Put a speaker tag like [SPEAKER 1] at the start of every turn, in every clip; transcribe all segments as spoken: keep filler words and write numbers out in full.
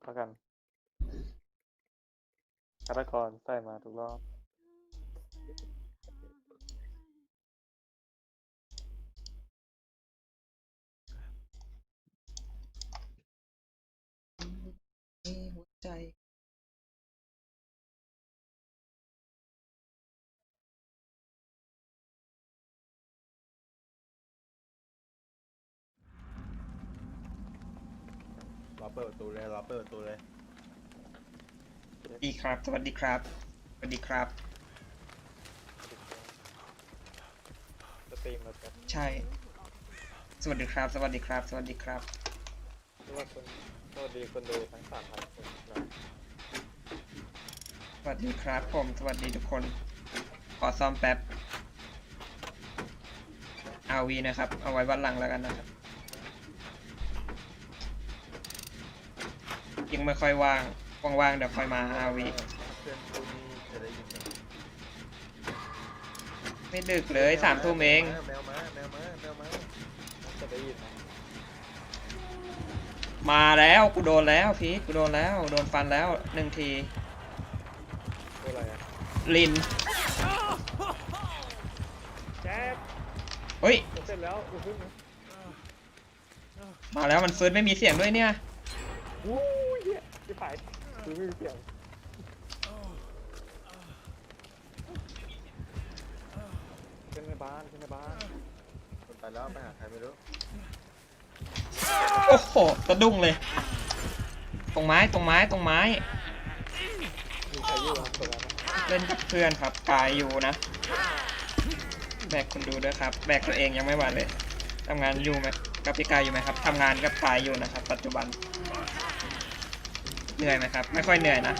[SPEAKER 1] แล้วกันฆาตกรใส่มาทุกรอบ
[SPEAKER 2] หัวใจ
[SPEAKER 3] รอเปิดประตูเลยรอเปิดประตูเลย
[SPEAKER 2] ดีครับสวัสดีครับสวัสดีครับ
[SPEAKER 1] สตรีมแล้วกัน
[SPEAKER 2] ใช่สวัสดีครับสวัสดีครับสวัสดีครับ
[SPEAKER 1] สวัสดีสวัสดีคนดูทั้งสามพันคนนะ
[SPEAKER 2] สวัสดีครับผมสวัสดีทุกคนขอซ่อมแป๊บ อาร์ วี นะครับเอาไว้วันหลังแล้วกันนะครับยังไม่ค่อยว่างว่างๆเดี๋ยวค่อยมา อาร์ วี
[SPEAKER 3] เพื่อนพูดนี่จะได้ยินไหม
[SPEAKER 2] ไม่ดึกเลยสามทุ่มเอง
[SPEAKER 3] แมวมาแมวมาแมวมา
[SPEAKER 1] จะได้ยินนะ
[SPEAKER 2] มาแล้วกูโดนแล้วพีทกูโดนแล้วโดนฟันแล้วหนึ่งที
[SPEAKER 1] คืออะไรอ่ะ
[SPEAKER 2] ลิน
[SPEAKER 1] แจ๊บ
[SPEAKER 2] เฮ้ย
[SPEAKER 1] จะเสร็จแล้วอุ้ย
[SPEAKER 2] มาแล้วมันฟื้นไม่มีเสียงด้วยเนี่ย
[SPEAKER 1] วู้ยเหี้ยที่ฝ่ายคือไม่มีเสียงขึ้นในบ้านขึ้นในบ้าน
[SPEAKER 3] คนไปแล้วไปหาใครไม่รู้
[SPEAKER 2] โอ้โหสะดุ้งเลย ตรงไม้ตรงไม้ตรงไม้
[SPEAKER 1] มีใครอยู่ครับตรงนั้นนะ
[SPEAKER 2] เล่นกับเพื่อนครับกายอยู่นะแบกคนดูด้วยครับแบกตัวเองยังไม่ไหวเลยทำงานอยู่ไหมกับพี่กายอยู่ไหมครับทำงานกับกายอยู่นะครับ ปัจจุบันเหนื่อยไหมครับ ไม่ค่อยเหนื่อยนะ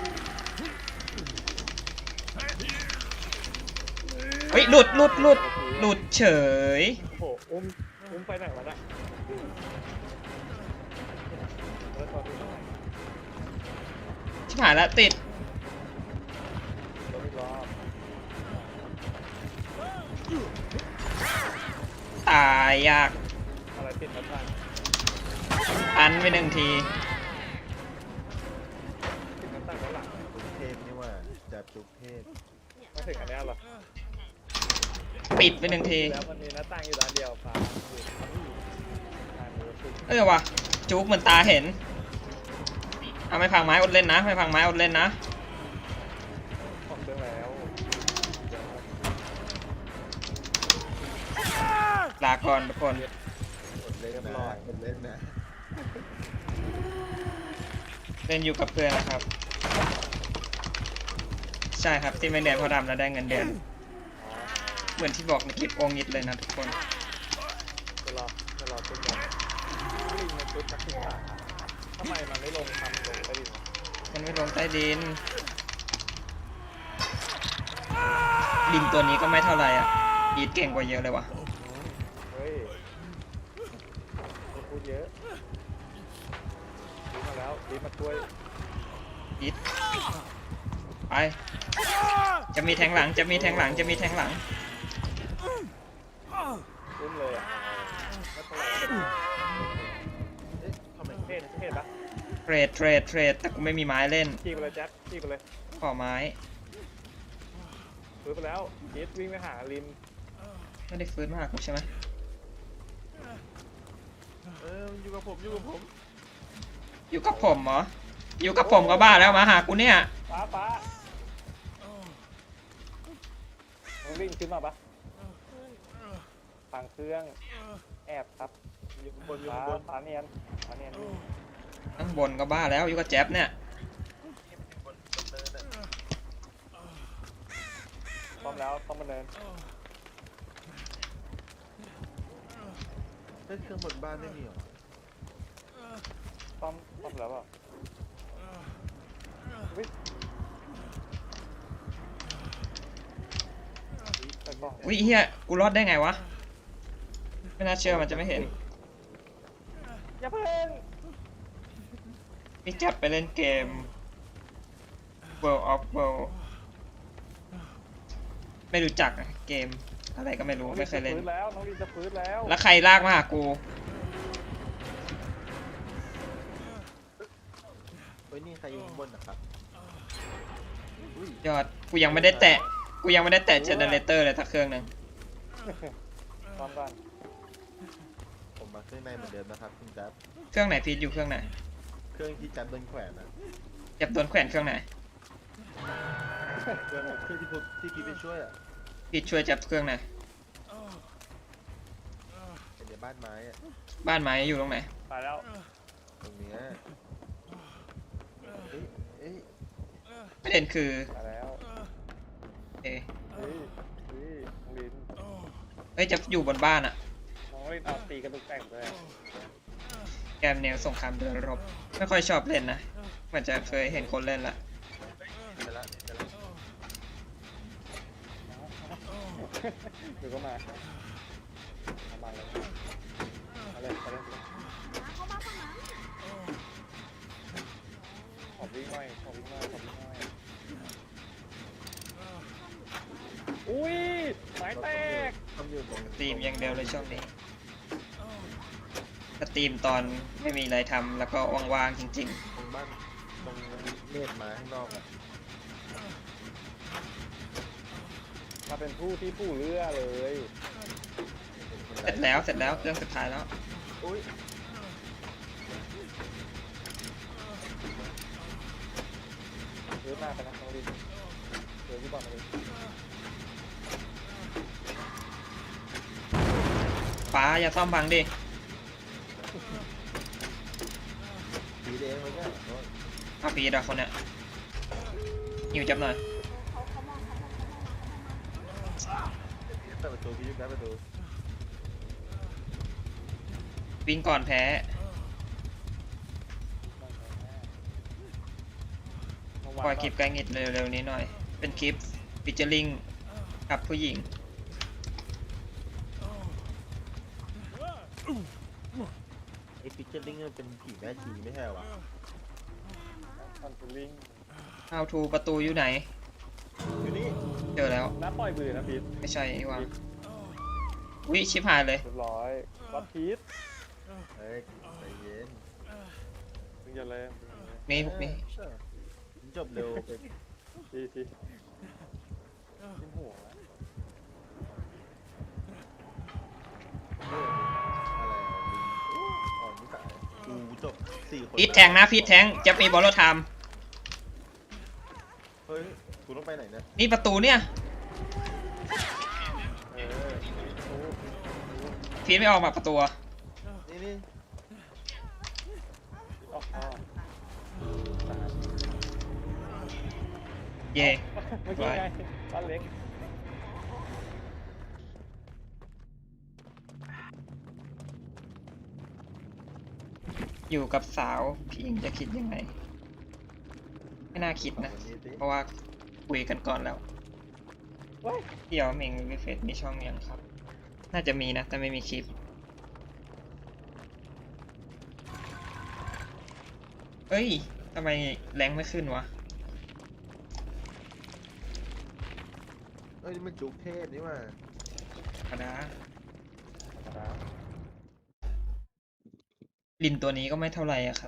[SPEAKER 2] เฮ้ยหลุดหลุดหลุดหลุดเฉย
[SPEAKER 1] โอ้โหอุ้มอุ้มไปไหนวะน่ะแล้วตอนนี้
[SPEAKER 2] ชิบหายแล้วติด
[SPEAKER 1] รถอีกรอบ
[SPEAKER 2] ตายยาก
[SPEAKER 1] อะไรติดมาบ้าง
[SPEAKER 2] อันไปหนึ่งที
[SPEAKER 1] ติดมาตั้งด้านหลัง
[SPEAKER 3] จุกเทพนี่ว่าจับจุกเทพ
[SPEAKER 1] ไม่ถึงอันเนี้ยหรอ
[SPEAKER 2] ปิดไปหนึ่งที
[SPEAKER 1] แล้วมันมีหน้าต่างอยู่ด้านเดียวฟ้าอยู่ทางนี้คือ
[SPEAKER 2] เออว่ะจุกเหมือนตาเห็นเอาไม่พังไม้อดเล่นนะไม่พังไม้อดเล่นนะ
[SPEAKER 1] ของเครื่องแล้วเดี๋ยว
[SPEAKER 2] ลาก่อนทุกคน
[SPEAKER 3] อดเล่นนะอดเล่นนะ
[SPEAKER 2] เล่นอยู่กับเพื่อนนะครับ ใช่ครับที่ไม่เรียนเพราะดำแล้วได้เงินเดือนเหมือนที่บอกในคลิปโองยิดเลยนะทุกคน
[SPEAKER 1] จะรอจะรอชุดก่อนลิงมันชุดนักศึกษาทำไมมันไม่ลงทำลงไปดิ
[SPEAKER 2] มันไม่ลงใต้ดินดินตัวนี้ก็ไม่เท่าไหร่อ่ะอีทเก่งกว่าเยอะเลยว่ะ
[SPEAKER 1] เฮ้ยพูดเยอะดีมาแล้วดีมาช่วย
[SPEAKER 2] อีทไปจะมีแทงหลังจะมีแทงหลังจะมีแทงหลัง
[SPEAKER 1] รุ่นเลยอ่ะไม่เท่าไหร่
[SPEAKER 3] เอ๊ะทำไม
[SPEAKER 1] เทศเทศปะ
[SPEAKER 2] เทรดเทรดเทรดแต่กูไม่มีไม้เล่น
[SPEAKER 1] ขี่ไปเลยแจ็คขี่ไปเลย
[SPEAKER 2] ขอไม้
[SPEAKER 1] ฟื้นไปแล้วยีดวิ่งไปหาลิน
[SPEAKER 2] ไม่ได้ฟื้นมาหากูใช่ไหม
[SPEAKER 3] เอออยู่กับผมอยู่กับผม
[SPEAKER 2] อยู่กับผมเหรออยู่กับผมก็บ้าแล้วมาหากูเนี่ย
[SPEAKER 1] ป้าป้ามึงวิ่งขึ้นมาปะฟังเครื่องแอบครับ
[SPEAKER 3] อยู่ข้างบนอยู่
[SPEAKER 1] ป้า
[SPEAKER 3] ข้างบน
[SPEAKER 1] ป้าเนียนป้าเนียน
[SPEAKER 2] ข้างบนก็บ้าแล้วอยู่กับแจ๊บเนี่ย
[SPEAKER 3] บนบนเนินน่ะ
[SPEAKER 1] พร้อมแล้วต้องมาเดิน
[SPEAKER 3] เฮ้ยเครื่องบนบ้านไม่มีเหรอ
[SPEAKER 1] ต้อมต้อมแล้วอ่ะวิ่งไปกล้อง
[SPEAKER 2] วิเฮียกูรอดได้ไงวะไม่น่าเชื่อมันจะไม่เห็น
[SPEAKER 1] อย่าเพิ่ง
[SPEAKER 2] พี่แจ๊บไปเล่นเกม World of World ไม่รู้จักอะเกมอะไรก็ไม่รู้ไม่เคยเล่น
[SPEAKER 1] ฟื้นแล้วน้องลินจะฟื้นแล้ว
[SPEAKER 2] แล้วใครลากมาหากู
[SPEAKER 3] ตฮ้ยนี่ใครอยู่ข้างบนนะครับอุ้ย
[SPEAKER 2] ยอดกูยังไม่ได้แตะกูยังไม่ได้แตะเจเนเรเตอร์เลยสักเครื่องหนึ่ง
[SPEAKER 1] พร้อมกัน
[SPEAKER 3] ผมมาเครื่องในเหมือนเดิมนะครับคุณแจ๊บ
[SPEAKER 2] เครื่องไหนพีทอยู่เครื่องไหน
[SPEAKER 3] เครื่องที่แจ๊บโดนแขวนนะ
[SPEAKER 2] จับโดนแขวนเครื่องไหน
[SPEAKER 3] เครื่องเครื่องที่ผมที่พี่ไปช่วยอ่ะ
[SPEAKER 2] พีทช่วยจับเครื่องไหน
[SPEAKER 3] เป็นในบ้านไม้อ่ะ
[SPEAKER 2] บ้านไม้อยู่ตรงไหน
[SPEAKER 1] ตายแล้ว
[SPEAKER 3] ตรงเนี้ยเอ้ยเอ้ย
[SPEAKER 2] ประเด็นคือ
[SPEAKER 1] ตายแล้ว
[SPEAKER 2] เอะ
[SPEAKER 1] เฮ้ยเฮ้ยน้องลิน
[SPEAKER 2] เฮ้ยจะอยู่บนบ้านอะ
[SPEAKER 1] น้องลินเอาตีกระตุกแต่งด้วย
[SPEAKER 2] แกมแนวสงครามเดินรบไม่ค่อยชอบเล่นนะเหมือนจะเคยเห็นคนเล่นละ
[SPEAKER 3] ไปละไปละ
[SPEAKER 1] เดี๋ยวก็มาเอามาเลยเอาเลยเอาเลยขอวิ่งหน่อยขอวิ่งหน่อยขอวิ่งหน่อยอุ้ยไม้แตก
[SPEAKER 3] ต้องอยู่ตรง
[SPEAKER 2] สตรีมอย่างเดียวเลยช่วงนี้สตรีมตอนไม่มีอะไรทำแล้วก็ว่างๆจริง
[SPEAKER 3] ตรงบ้านตรงเมฆไม้ข้างนอกอ่ะ
[SPEAKER 1] มาเป็นผู้ที่ผู้เรือเลย
[SPEAKER 2] ๆ เสร็จแล้วเสร็จแล้วเครื่องสุดท้ายแล้ว
[SPEAKER 3] อุ้ย
[SPEAKER 1] เรือหน้าไปนะน้องลินเรือที่บอลเลย
[SPEAKER 2] ฟ้าอย่าซ่อมบังดิ
[SPEAKER 3] ผีแดงเลยเนี่ยโอ้ย
[SPEAKER 2] เอาพีดอะคนเนี้ยหิวจับหน่อย
[SPEAKER 3] เปิดประตูพี่ยุบได้ประตู
[SPEAKER 2] วิ่งก่อนแพ้ปล่อยคลิปไกลงิดเร็วๆนี้หน่อย เป็นคลิปฟิชเจอริงกับผู้หญิง
[SPEAKER 3] ไอ้ฟิชเชอร์ลิงมันเป็นผีแม่ชีไม่ใช่เหรอวะ
[SPEAKER 1] คอนทูลิง
[SPEAKER 2] How to ประตูอยู่ไหน
[SPEAKER 3] อยู่นี่
[SPEAKER 2] เจอแล้ว
[SPEAKER 1] น้าปล่อยมือนะพีท
[SPEAKER 2] ไม่ใช่นี่หว่าวิชิบหายเลย
[SPEAKER 1] เรียบร้อยวัดพีท
[SPEAKER 3] เฮ้ยใจเย็น
[SPEAKER 1] มึงอย่าเลย
[SPEAKER 2] นี่พวกนี้
[SPEAKER 3] เออจบเร็วไป
[SPEAKER 1] ทีทีขึ้นหัวนะ
[SPEAKER 3] เรื่องอะไรอ่ะลิงอ่อนนิสัยกูจบสี่คน
[SPEAKER 2] พีทแทงนะพีทแทงจะมีบอลโลไทม์
[SPEAKER 3] เฮ้ยกูต้องไปไหนเนี่ย
[SPEAKER 2] นี่ประตูเนี่ย
[SPEAKER 1] เออโอ้
[SPEAKER 2] พีทไม่ออกมาประตูอะ
[SPEAKER 3] นี่นี่
[SPEAKER 1] ออกอ๋อ
[SPEAKER 2] เย่
[SPEAKER 1] เมื่อกี้ไงบ้านเล็ก
[SPEAKER 2] อยู่กับสาวพี่อิงจะคิดยังไง ไม่น่าคิดนะ
[SPEAKER 3] วันนี้สิ
[SPEAKER 2] เพราะว่าคุยกันก่อนแล้ว
[SPEAKER 1] เว้ย
[SPEAKER 2] เดี๋ยวเมงวิเฟสมีช่องยังครับ น่าจะมีนะ แต่ไม่มีคลิป เฮ้ยทำไมแรงไม่ขึ้นวะ
[SPEAKER 3] เอ้ยนี่มันจุกเทพนี่ว่า
[SPEAKER 2] ธรรมดา
[SPEAKER 1] ธรรมดา
[SPEAKER 2] ลินตัวนี้ก็ไม่เท่าไหร่อะครับ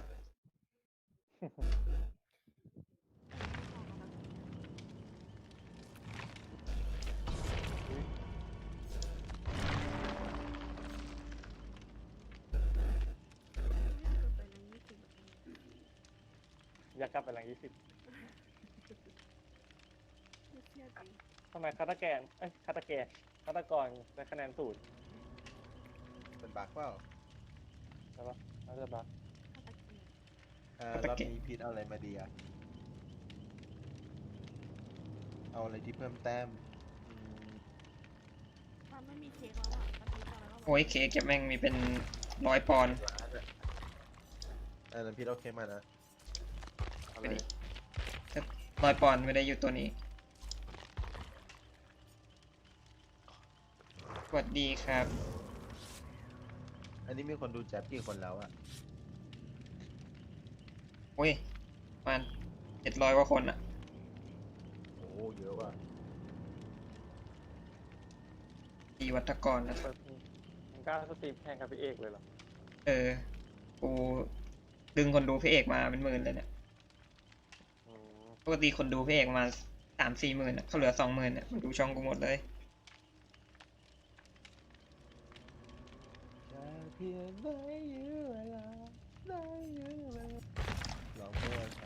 [SPEAKER 1] อยากกลับไปหลังยี่สิบทำไมคาตาแกนเอ้ยคาตาแกนคาตากรได้คะแนนศูนย์
[SPEAKER 3] เป็นบักเปล่า
[SPEAKER 1] ใช่ปะน่าจะบัก
[SPEAKER 3] อ่า
[SPEAKER 2] ก็ตะ
[SPEAKER 3] รอบ
[SPEAKER 2] เกียบ
[SPEAKER 3] นี้พีทเอาอะไรมาดีอะเอาอะไรที่เพิ่มแต้มอืม
[SPEAKER 4] มันไม่มีเค้กแล้วอ่ะมันมีตอนนั้นเรา
[SPEAKER 2] โอ้ยเค้กแกแม่งมีเป็นร้อยปอนด์
[SPEAKER 3] เออแล้วพีทเอาเค้กมานะเอาอะไร
[SPEAKER 2] ร้อยปอนด์ไม่ได้อยู่ตัวนี้ สวัสดีครับ
[SPEAKER 3] อันนี้มีคนดูแจ๊บกี่คนแล้วอะ
[SPEAKER 2] โอ้ยประมันเจ็ดร้อยกว่าคนอะ
[SPEAKER 3] โอ้โหเยอะว่ะ
[SPEAKER 2] ดีวัตกรนะค
[SPEAKER 1] เปิ
[SPEAKER 2] รับ
[SPEAKER 1] ดมึงกล้าสตรีมแข่งกับพี่เอกเลยเหรอ
[SPEAKER 2] เออ กูดึงคนดูพระเอกมาเป็นหมื่นเลยเนี่ยปกติคนดูพี่เอกมาสามสี่หมื่นเขาเหลือสองหมื่นมันดูช่องกูหมดเลย
[SPEAKER 3] แค่เพียงได้ยื้อเวลาได้ยื้อเวลาลองมั่วใส่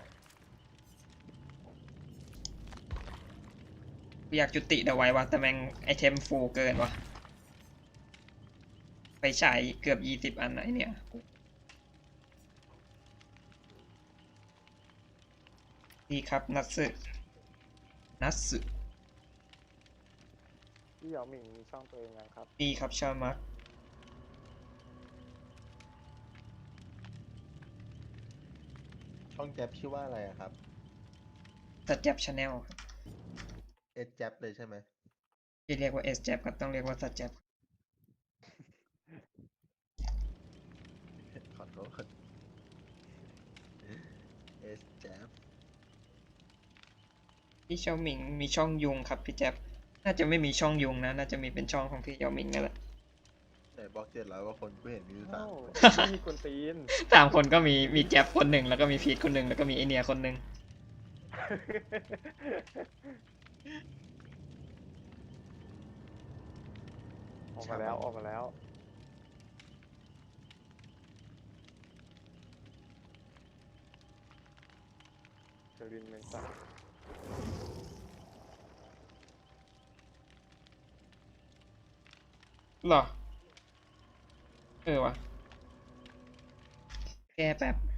[SPEAKER 2] กูอยากจุติเดาไว้วะแต่แม่งไอเทมฟูลเกินวะไปฉายเกือบยี่สิบอันนะไอเนี่ยดีครับนัตสึนัตสึ
[SPEAKER 1] พี่เหยาหมิงมีช่องตัวเองยังครับ
[SPEAKER 2] ดีครับชามัก
[SPEAKER 3] ช่องแจ๊บชื่อว่าอะไรอะครับ
[SPEAKER 2] สัจแจ็บชาแนล
[SPEAKER 3] เอสแจ๊บเลยใช่ไหม
[SPEAKER 2] ที่เรียกว่าเอสแจ็บก็ต้องเรียกว่าสัจแจ็บ
[SPEAKER 3] ขอโทษเอสแจ๊บ
[SPEAKER 2] พี่เชาหมิงมีช่องยุงครับพี่แจ็บน่าจะไม่มีช่องยุงนะน่าจะมีเป็นช่องของพี่เชาหมิงนั่นแหละ
[SPEAKER 3] แต่บล็อกเจ็ดร้อยกว่าคนกูเห็นมีอยู่สา
[SPEAKER 1] โอ้
[SPEAKER 3] มคน
[SPEAKER 1] ไม่มีคนตีน
[SPEAKER 2] สามคนก็มีมีแจ็บคนหนึ่งแล้วก็มีพีทคนหนึ่งแล้วก็มีไอเนียคนหนึ่ง
[SPEAKER 1] ออกมาแล้วออกมาแล้วเจอรินเมนซ่า
[SPEAKER 2] หรอเออวะแก้แป๊บ